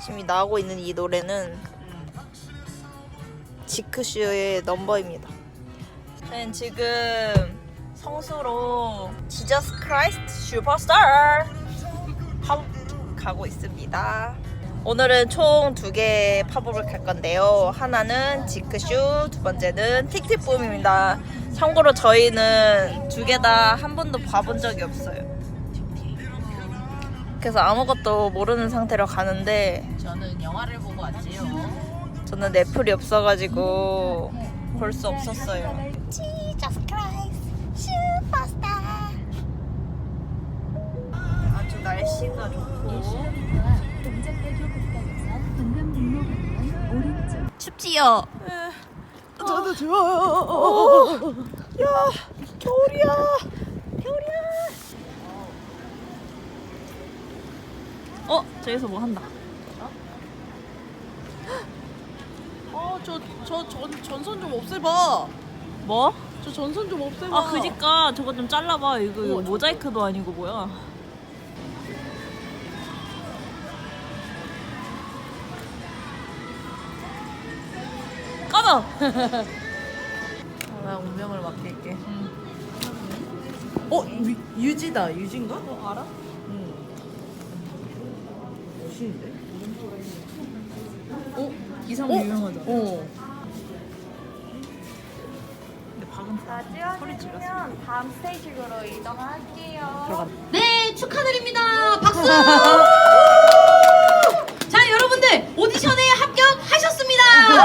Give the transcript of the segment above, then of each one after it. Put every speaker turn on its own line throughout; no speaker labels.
지금 나오고 있는 이 노래는 지크슈의 넘버입니다. 저는 지금 성수로 지저스 크라이스트 슈퍼스타 가고 있습니다. 오늘은 총 2개의 팝업을 갈 건데요. 하나는 지크슈, 두 번째는 틱틱붐입니다. 참고로 저희는 2개 다 한 번도 봐본 적이 없어요. 그래서 아무것도 모르는 상태로 가는데
저는 영화를 보고 왔지요.
저는 넷플이 없어가지고 볼 수 없었어요.
Jesus Christ, 슈퍼스타.
아주 날씨가 좋고
동작대교 가까이에서 동남북로 방면 오른쪽.
춥지요?
저도 좋아요.
야, 겨울이야. 겨울이야. 저기서 뭐 한다.
저 전선 좀 없애봐.
뭐?
저 전선 좀 없애봐.
아, 그니까 저거 좀 잘라봐. 이거 모자이크도 아니고 뭐야. 까봐.
나 운명을 맡길게. 유지다. 유진가?
알아?
응. 멋있는데?
이상 유명하잖아. 근데 박은 소리 질렀어.
다음 스테이지로 이동할게요.
네, 축하드립니다. 박수! 자, 여러분들 오디션에 합격하셨습니다.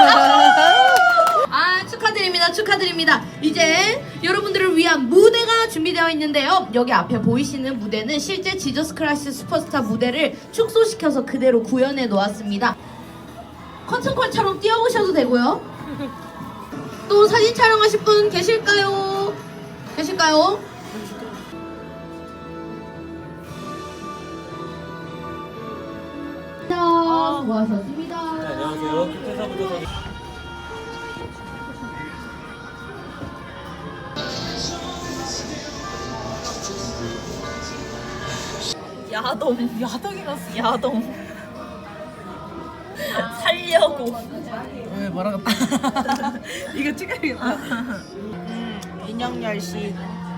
아, 축하드립니다. 축하드립니다. 이제 여러분들을 위한 무대가 준비되어 있는데요. 여기 앞에 보이시는 무대는 실제 지저스 크라이스트 슈퍼스타 무대를 축소시켜서 그대로 구현해 놓았습니다. 커튼콜처럼 뛰어오셔도 되고요. 또 사진 촬영하실 분 계실까요? 계실까요? 수고하셨습니다.
안녕하세요. 김태사부터 서
야동이었어. 야동. 살려고.
왜 말하겠다. 이거 찍어야겠다. 인형 열시.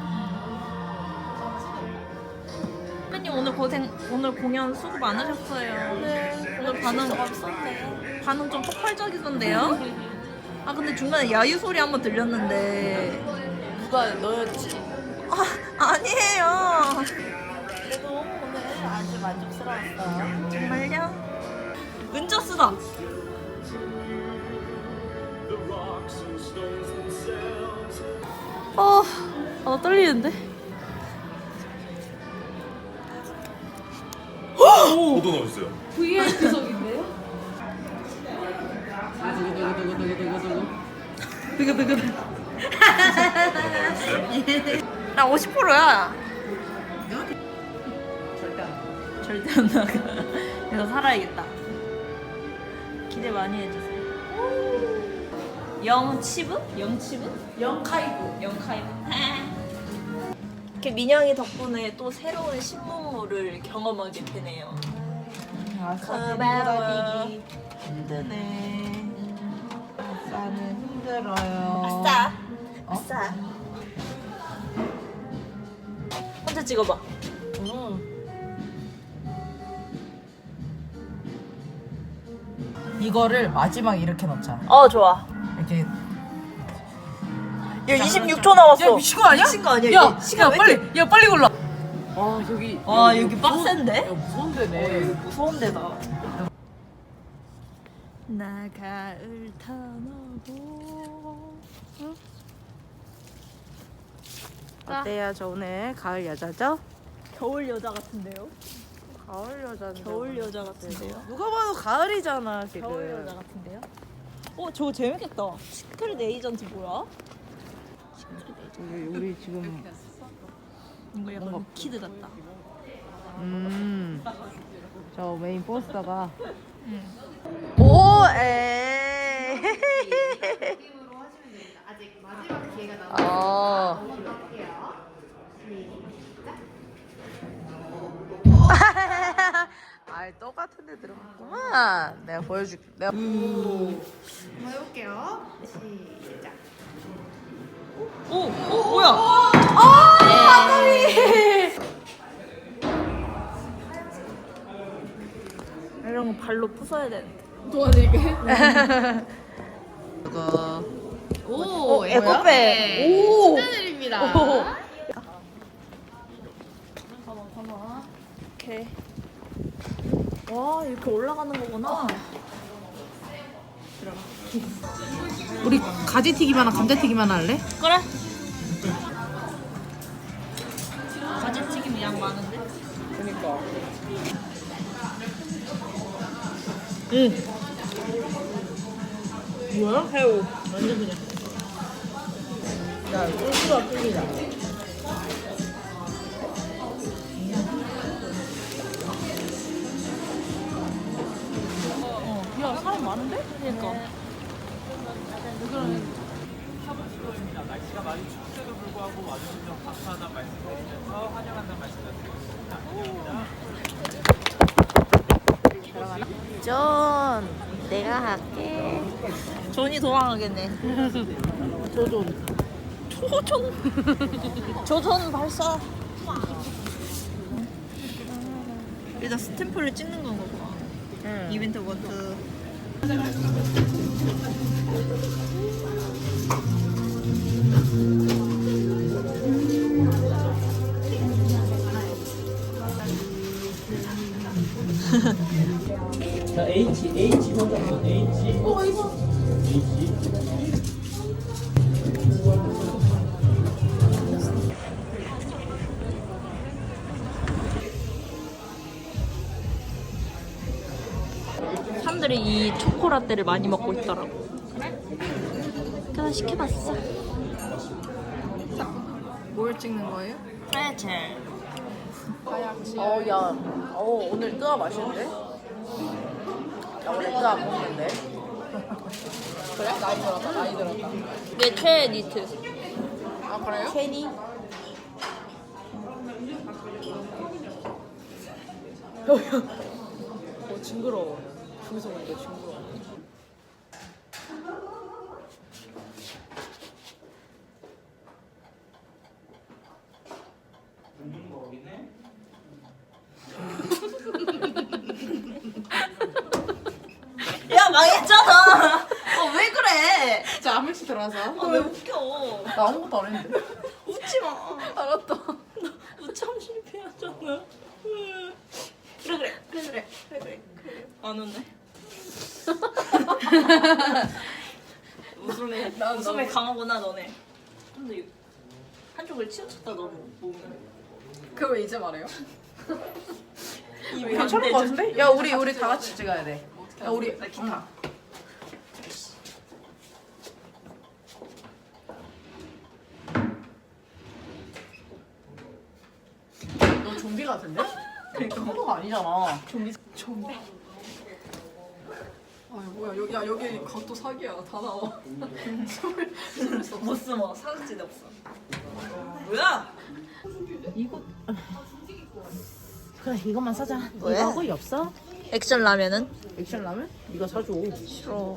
선배님 오늘 공연 수고 많으셨어요. 네. 오늘 반응 좀 폭발적이던데요? 아 근데 중간에 야유 소리 한번 들렸는데.
누가 너였지?
아니에요.
그래도 오늘 아주 만족스러웠어요.
정말요? 은저스다. 나 떨리는데?
포도 넣었어요.
VIP석인데요?
나 50%야. 절대 안 나가. 그래서 살아야겠다. 기대 많이 해주세요. 영치브? 영카이브. 이렇게 민영이 덕분에 또 새로운 신문물을 경험하게 되네요. 고마워.
힘드네. 아싸는 힘들어요.
아싸. 혼자 찍어봐.
이거를 마지막에 이렇게 넣자.
좋아.
이렇게.
야 26초 남았어.
야 미친 거 아니야?
미친 거 아니야?
야,
시간 왜 이렇게-
빨리 골라. 와 여기.
와 여기 빡센데?
무서운 데네.
무서운 데다. 나 가을 타나고.
어때요? 저 오늘 가을 여자죠?
겨울 여자 같은데요?
가을 여자인데.
겨울 여자 같은데요?
누가 봐도 가을이잖아 지금.
겨울 여자 같은데요? 저거 재밌겠다. 시크릿 에이전트 뭐야?
우리 지금.
이거 약간 키드 같다.
저 메인 포스터가.
오, 에이.
아직 마지막 기회가 남아.
아
아이 똑같은 데 들어갔구만. 내가 보여줄게. 내가
한번 해볼게요. 시작.
오 뭐야? 이런 거 발로 부숴야 되는데.
그거
오,
에코백.
오, 축하드립니다.
이렇게. 와 이렇게 올라가는 거구나.
우리 가지튀김 하나 감자튀김 하나 할래?
그래. 가지튀김 양 많은데?
뭐야? 새우. 완전 그냥. 야, 소스가 끌리다.
야 사람 많은데? 그러니까.
날씨가 많이 춥음에도 불구하고 와주셔서 감사하다는 말씀드리면서 환영한다는 말씀드립니다.
전 내가 할게.
존이 도망가겠네.
조존.
조전 발사. 일단 스탬프를 찍는 건가 봐.
응.
이벤트 원투.
자, H 혼자 H.
사람들이 이 초코라떼를 많이 먹고 있더라고. 그래서 시켜봤어.
뭘 찍는 거예요?
프레첼.
야. 오늘 뜨아 맛있는데? 야, 원래 뜨아 안 먹는데? 그래? 나이 들었다, 나이 들었다.
내 최애 니트.
아, 그래요? 케니? 징그러워. 중에서 보니까 징그러워.
야 망했잖아. 왜 그래?
자, 한 명씩 들어가서.
왜 웃겨?
나 아무것도 안 했는데.
웃지 마.
알았다.
우참 실패하잖아. 그래. 안 웃네. 웃음에 강하구나 너네. 근데 한쪽을 치우쳤다 너무 몸이.
그거 왜 이제 말해요?
입이
괜찮은 거 같은데? 야, 우리 다 같이 찍어야 돼. 야, 우리
나 기타.
너 좀비 같은데? 그러니까 호도가 아니잖아. 좀비. 아, 뭐야? 여기 각도 사기야. 다 나와.
못 숨어. 사각지대 없어. 뭐야?
그래, 이것만 사자.
왜?
이거 하고 이 없어?
액션 라면은?
액션 라면? 이거 사줘.
싫어.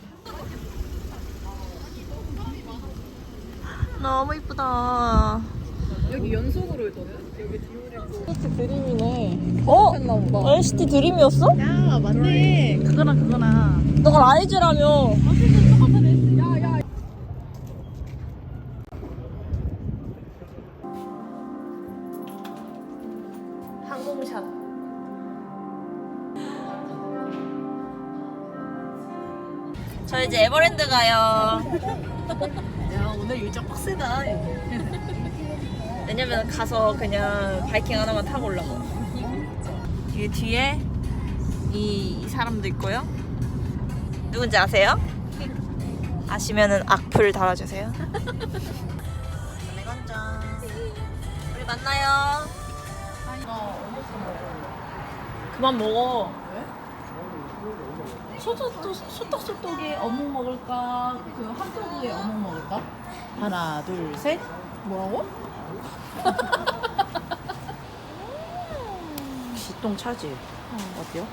너무 이쁘다.
여기 연속으로 있거든? 여기 디오리고.
NCT 드림이었어?
야, 맞네. 그거나.
너가 라이즈라며. 항공샷. 저 이제 에버랜드 가요.
야, 오늘 일정 빡세다.
왜냐면 가서 그냥 바이킹 하나만 타고 올라가. 이 뒤에 이 사람도 있고요. 누군지 아세요? 아시면은 악플 달아주세요. 건강. 우리 만나요. 그만 먹어.
소떡소떡에 어묵 먹을까? 그 핫도그에 어묵 먹을까? 하나, 둘, 셋. 뭐라고? 역시 똥 차지? 어때요?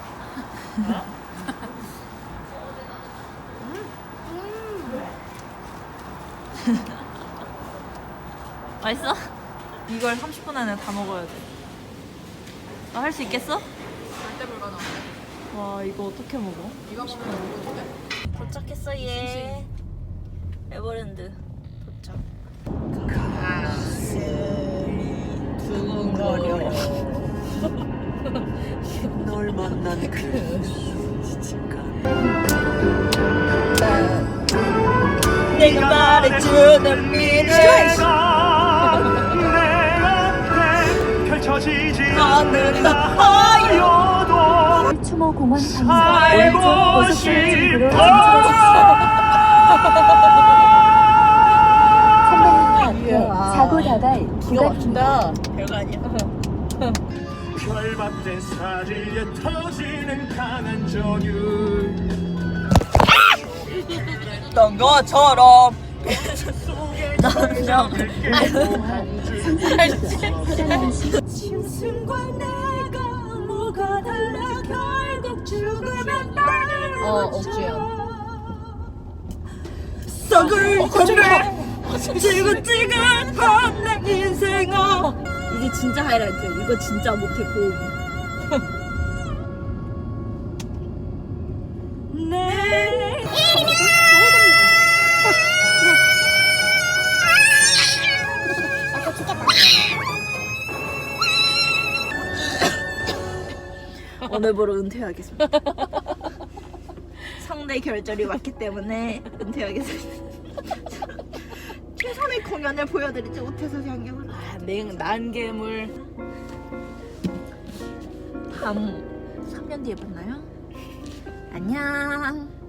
맛있어? 이걸 30분 안에 다 먹어야 돼. 너 할 수 있겠어?
절대 불가능한데.
와 이거 어떻게 먹어?
이거 10분 먹어도 돼?
도착했어 얘. 에버랜드 도착.
두근거려.
널 만난 그 내가 말해주는 미래
내 앞에 펼쳐지지
않는
하여도
추모공원
살고
방송
싶어.
사고 나갈
기가
구간
막힌다.
별거 아니야.
결박된 사지에 터지는 강한 전율
했던 것처럼 남자 짐승과 내가 뭐가 달라 결국 죽으면 나를
억지야.
썩을 건데 지긋지긋한 내 인생아. 이게 진짜 하이라이트. 이거 진짜 못해 고음. 내 오늘부로 은퇴하겠습니다. 상대 결절이 왔기 때문에 은퇴하겠습니다. 최선의 공연을 보여드리지 못해서 양념을.
난개물.
다음 3년 뒤에 만나요. 안녕.